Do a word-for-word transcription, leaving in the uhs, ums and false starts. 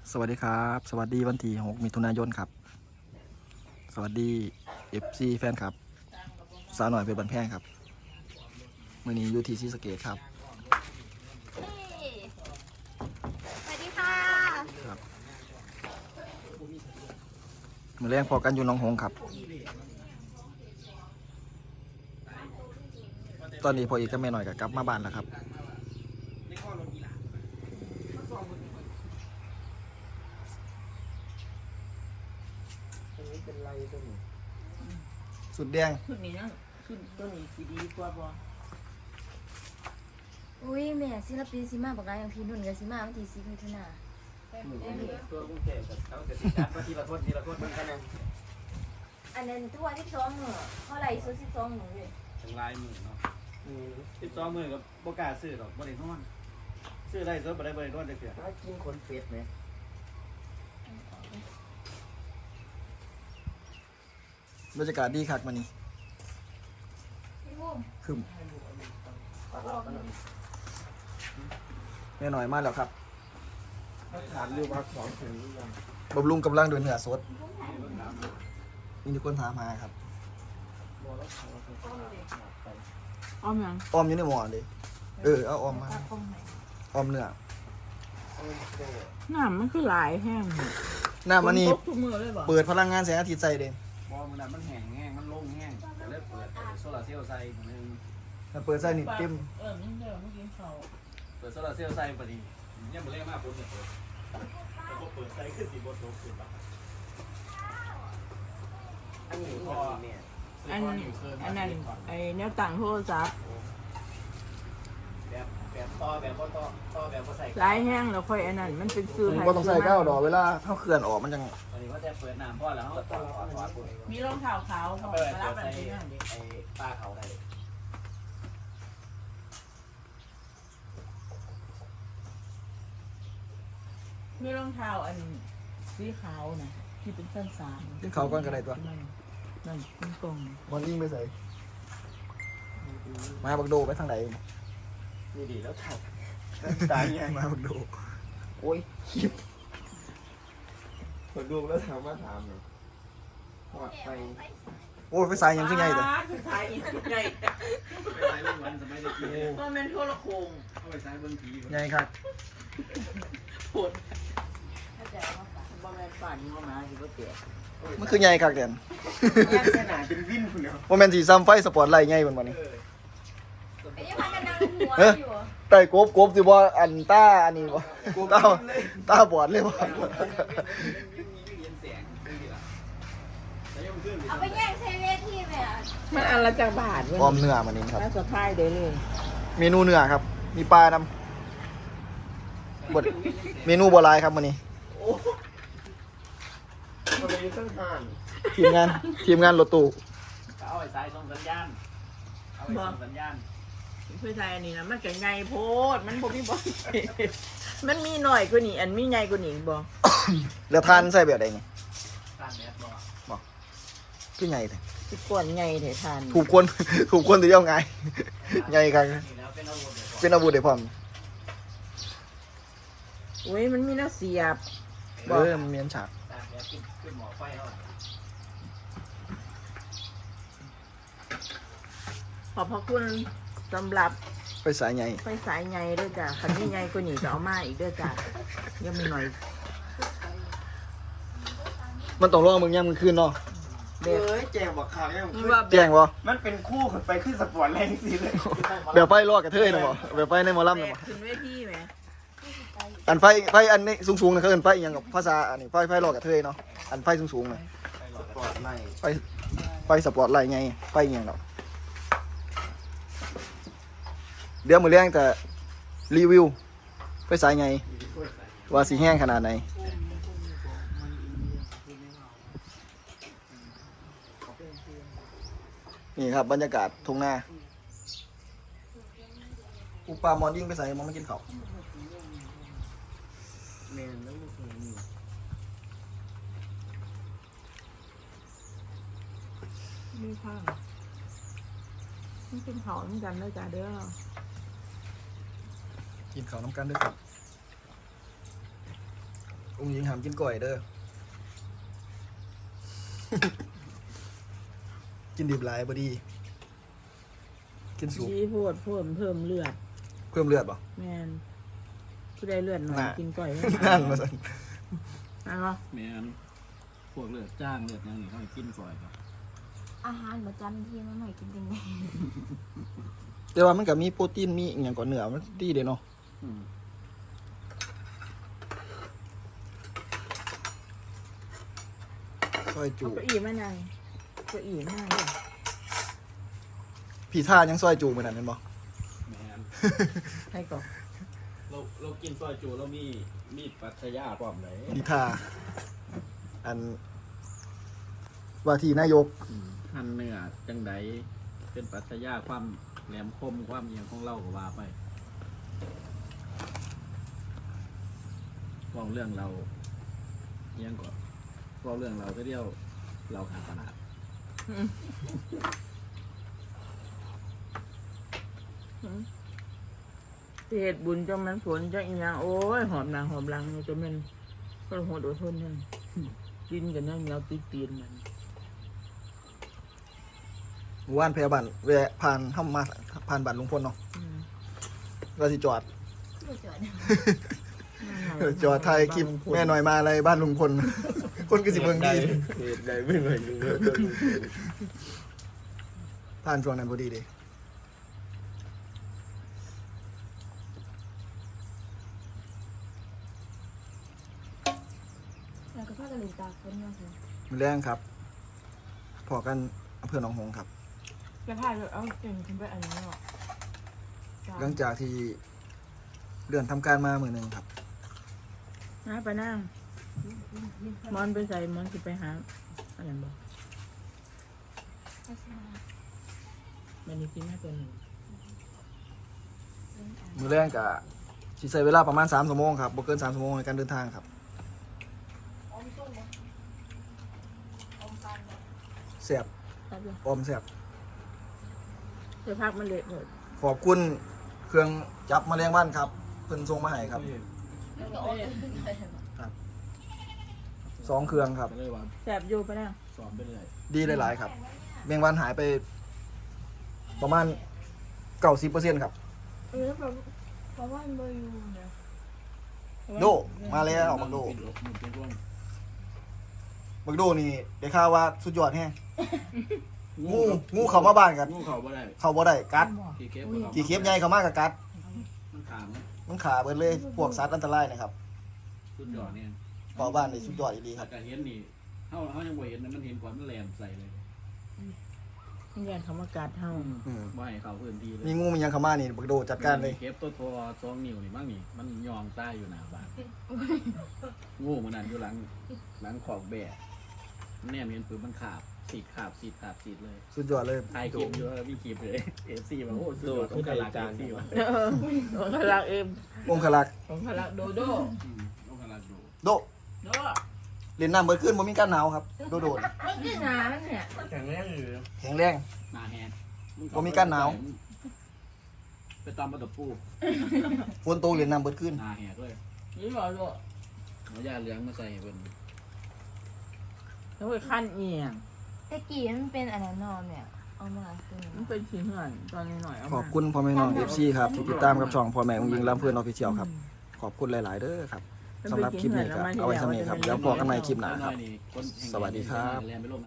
สวัสดีครับสวัสดีวันที่หกมิถุนายนครับสวัสดีเอฟซีแฟนครับสาวหน่อยเป็นบันแพงครับมื่อนี้อยู่ที่ศรีสะเกษครับสวัสดีค่ะครับมือแรงพอกันอยู่หน้องหงส์ครับตอนนี้พออีกก็ไม่หน่อยกับกลับมาบ้านแล้วครับสุดแดงชุดนี้นะชุดตัวนี้สีดีกว่าบ่อุ้ยแม่ศิลปินซิมาบอกว่าอย่างพี่นุ่นกับซิมาวันที่สิบมิถุนาตัวกรุงเทพกับเขาจะสิจัดว่าทีละคนทีละคนมันกันยังอันนั้นตัวที่สองเหรอเท่าไหร่สุดที่สองหนูเลยถึงลายมือเนาะสิบสองมือกับโบกาซื้อหรอกบริโนอนซื้อได้ซื้อบ่ได้บริโนอนได้เพียงถ้ากินคนเป็ดไหมบรรยากาศดีครับมันนี้พี่บุ้มคึมแม่หน่อยมาแล้วครับถามดูว่าของถึงหรือยังบำรุงกำลังด้วยเนื้อสดมีทุกคนถามหาครับอ้อมยังออมอยู่ในหม้อเลยเออเอาออมมาออมเนื้อน้ำมันคือหลายแห้งหน้ามันนี่ทุกมือเลยบ่เปิดพลังงานแสงอาทิตย์ใส่เด้พอมันมันแห้งแห้งมันลงแห้งแต่เลิกเปิดโซลาเซลล์ใส่หนึ่งถ้าเปิดใส่นี่เต็มเออนี่เดี๋ยวเมื่อกี้เขาเปิดโซลาเซลล์ใส่พอดีเนี่ยมันเล่มากคนเนี่ยเปิดแต่พอเปิดใส่ขึ้นสีบนโต๊ะขึ้นปะอันนี้พออันอันนั้นไอ้แนวต่างโทรศัพท์แบบแบบต่อแบบก็ต่อต่อแบบก็ใส่หลายแห้งแล้วค่อยอันนั้นมันเป็นซื้อก็ต้องใส่ก้าวดอกเวลาเข้าเขื่อนออกมันจังตอนนี้ก็จะเปิดน้ำพ่อแล้วเขาต่อต่อต่อปุ๊บมีรองเท้าขาวเขาเปิดรับเปิดแบบใส่นี้นั่นดิไอ้ป้าเขาได้มีรองเท้าอันสีขาวนะที่เป็นสั้นสามขึ้นเขาก้อนกระไดตัวนั่นนั่นเป็นกล่องมันยิ่งไปใส่มาบักโดไปทางไหนนี่ดีแล้วถ่ายตายไงมาบักโดโอ้ยคนดูแล้วถามว่าถามหน่อยปลอดไปโอ้ยไปใส่ยังขึ้นใหญ่เลยคือขายอีกใหญ่ไปใช้เรื่องวันสมัยเด็กๆก็เป็นโทรโคงเข้าไปใช้เบิ้งผีใหญ่ครับปวดบ่แม่นป่านนี้บ่มาสิบ่เตะมันคือใหญ่ครับเด่นลักษณะเป็นวินคุณเนาะโมเมนต์สีซ้ำไฟสปอร์ตไลท์ใหญ่เหมือนวันนี้ไอ้ยังพักกันนั่งหัวอยู่ไต่กบกบสิบ่อันต้าอันนี้บ่ต้าต้าบอดเลยบ่เอาไปแย่งใช้เวทีแม่มันอันละจักบาทเว้ยออมเนื้อมันนี่ครับน่าสะพายได้เลยเมนูเนื้อครับ มีปลานำบดเมนูบัวลายครับมันนี้ทำไมมีตั้งห่านทีมงานทีมงานรถตู้เอาไปใช้ส่งสัญญาณเอาไปส่งสัญญาณเพื่อใช้อันนี้นะมันก็ใหญ่โพดมันบ่มีบ่ มันมีหน่อยกว่านี้อันมีใหญ่กว่านี้บ่แล้วทานใส่แบบใดนี่ตามแดดบอกคือใหญ่เลยสิกวนใหญ่แท้ทานถูกคนถูกคนตัวเดียวไงใหญ่ครับนี่แล้วเป็นอาวุธเดี๋ยวเป็นอาวุธได้พร้อมโอ้ยมันมีแนวเสียบเออมันมีอันฉากตามแดดขึ้นขึ้นหมอไฟเท่าไหร่ขอบพระคุณสำหรับไปสายใหญ่ไฟสายใหญ่ด้วยจ้ะคันนี้ใหญ่กว่านี้ก็เอามาอีกด้วยจ้ะยังมีหน่อยมันต้องรอมึงย่ำมึงคืนเนาะเอ้ยแจงบอกข่าวยังมันว่าแจ้งบ่มันเป็นคู่ขึ้นไปขึ้นสปอร์ตแรงสิเลยแบบไฟรอดกระเทยนะบ่แบบไฟในหมอลำแบนะกบ่ขึ้นเวทีไหมอันไฟไฟอันนี้สูงๆนะเขาเอิ้นไฟอหยังกับภาษาอันนี้ไฟไฟรอดกระเทยเนาะอันไฟสูงๆน่ะสปอร์ตไม่ไฟไฟสปอร์ตไลท์ไงไฟอหยังดอกเดี๋ยวมื้อแรงแต่รีวิวไฟสายไงว่าสิแห้งขนาดไหนนี่ครับบรรยากาศทุ่งนาอุปามอนยิ่งไปใส่มองไม่กินข้าวแมนแล้วลูกคนนี้มีข้างนี่เป็นเขาเหมือนกันเลยจ้ะเด้อกินข้าวน้ำกันด้วยครับองค์หญิงหามกินก่อยเด้อ กินดิบหลายบ่ดี กินสุกดีโพดเพิ่มเพิ่มเลือดเพิ่มเลือดบ่แม่นผู้ได้เลือดหน่อยน่ะกินก่อยนั่นมาสั่นเอาเนาะแม่นพวกเลือดจ้างเลือดหยังนี่เขาให้กินก่อยครับอาหารประจำที่มันหน่อยกินจังไงแต่ว่ามันก็มีโปรตีนมีอหย่างก่อนเนื้อมันดีเด้เนาะอืมซอยจูเอาเก้าอี้มานั่งเก้าอี้มานั่งเลยพี่ท่ายังซอยจูเหมือนนั้นแม่นบ่แม่นให้ก่อนเราเรากินซอยจูเรามีมีดปัทยาพร้อมเลยพี่ท่าอันว่าที่นายกหั่นเนื้อจังไดเป็นปัทยาความแหลมคมความเอียงของเราก็ว่าไปเว่าเรื่องเราเอียงก่อนเว่าเรื่องเราก็เดียวเราขาดตลาดที่เหตุบุญจนมันฝนจังอีหยังโอ้ยหอมหนังหอมหลังอยู่จนมันก็โหดอดทนนั่นกินกันนั่งเหนียวติดตีนมันหมู่บ้านพยาบาลแวะผ่านเข้ามาผ่านบ้านลุงพลเนาะอืมก็สิจอดไม่เจอจอดถ่ายคลิปแม่หน่อยมาอะไรบ้านลุงพล คนก็สิเบิ่งดีเหตุใดไม่เหมือนลุงเลยผ่านช่วงนั้นพอดีเด้แล้วก็พากันเล่นตากฝนมาสิมื้อแรงครับพอกันอำเภอหนองหงส์ครับจะพาเราเอาเก่งขึ้นไปอันนี้หรอหลังจากที่เลื่อนทำการมามื้อหนึงครับนะไปนั่งมอนไปใส่มอนสิไปหาอะไรบอกไม่ใช่มามันนี่กินแม่ตัวหนึ่งเล่นอ่านมื้อแรงก็สิใช้เวลาประมาณสามชั่วโมงครับบ่เกินสามชั่วโมงในการเดินทางครับอมตุ้มนะอมปันนะแซ่บครับเลยออมแซ่บจะพักมันเละหมดขอบคุณเครื่องจับแมลงวันครับเพิ่นส่งมาให้ครับแล้วก็อมตุ้มเลยสองเครื่องครับก็เลยว่าแสบอยู่ไปนั่งสอนไปเลยดีหลายๆครับแมงวันหายไป ประมาณเก้าสิบเปอร์เซ็นต์ครับเออแบบเพราะว่ามันบ่อยู่นะโดมาแล้วบักโดปิดอกมันเป็นร่วงบักโดนี่ได้ข่าวว่าสุดยอดแฮงงูงูเข้ามาบ้านกันงูเขาบ่ได้เข้าบ่ได้กัดกี่เคปบ่ขากี่เข็บใหญ่เข้ามาก็กัดมันขามมันขาเบิดเลยพวกสัตว์อันตรายนะครับสุดยอดเนี่ยเฝ้าบ้านนี่สุดยอดอีหลีคถ้ารับก็เห็นนี่เฮาเฮายังบ่เห็นนะมันเห็นก่อนมันแหลมใส่เลยนี่ยันคำว่ากัดเฮาอืมบ่ให้เข้าพื้นที่เลยมีงูมีหยังเข้ามานี่บักโดจัดการเลยเก็บตัวทอสองนิ้วนี่มั้งนี่มันยองใต้อยู่หน้าบ้านงูมันนั่นอยู่หลังหลังขอกแบะแนมเห็นปืนมันขาบสีดขาบสีดขาบสีดเลยสุดยอดเลยถ่ายคลิปอยู่มีคลิปเลย เอฟซีบอกโอ้สุดยอดต้องการจานที่ว่าเออองคลักษ์เอ็มองคลักษ์องคลักษ์โดโดต้องการดูโดโดเล่นน้ำเบิดขึ้นบ่มีการหนาวครับโดโดนมันคือหนาเนี่ยแข็งแรงอยู่แข็งแรงหน้าแฮนบ่มีการหนาวไปตอมประตูปูฝนตกเล่นน้ำเบิดขึ้นหน้าแฮด้วยนี่บอกโดเอายาเหลืองมาใส่เพิ่นแล้วไปขั้นเอียงตะกี้มันเป็นอันนั้นนอนเนี่ยเอามาคือมันเป็นชิ้นเหื่อนตอนนี้หน่อยเอาขมาอบคุณพ่อแม่น้อง เอฟ ซี ครับที่ติดตามกับช่องพ่อแม่องค์ยิงลำเพื่อนออฟฟิเชียลครับ ขอบคุณหลาย ๆ เด้อครับสำหรับคลิปนี้ครับเอาไว้สำนี้ครับแล้วพอกันใหม่คลิปหน้าครับน้อยนี่คนแห่งสวัสดีครับแลนไปลง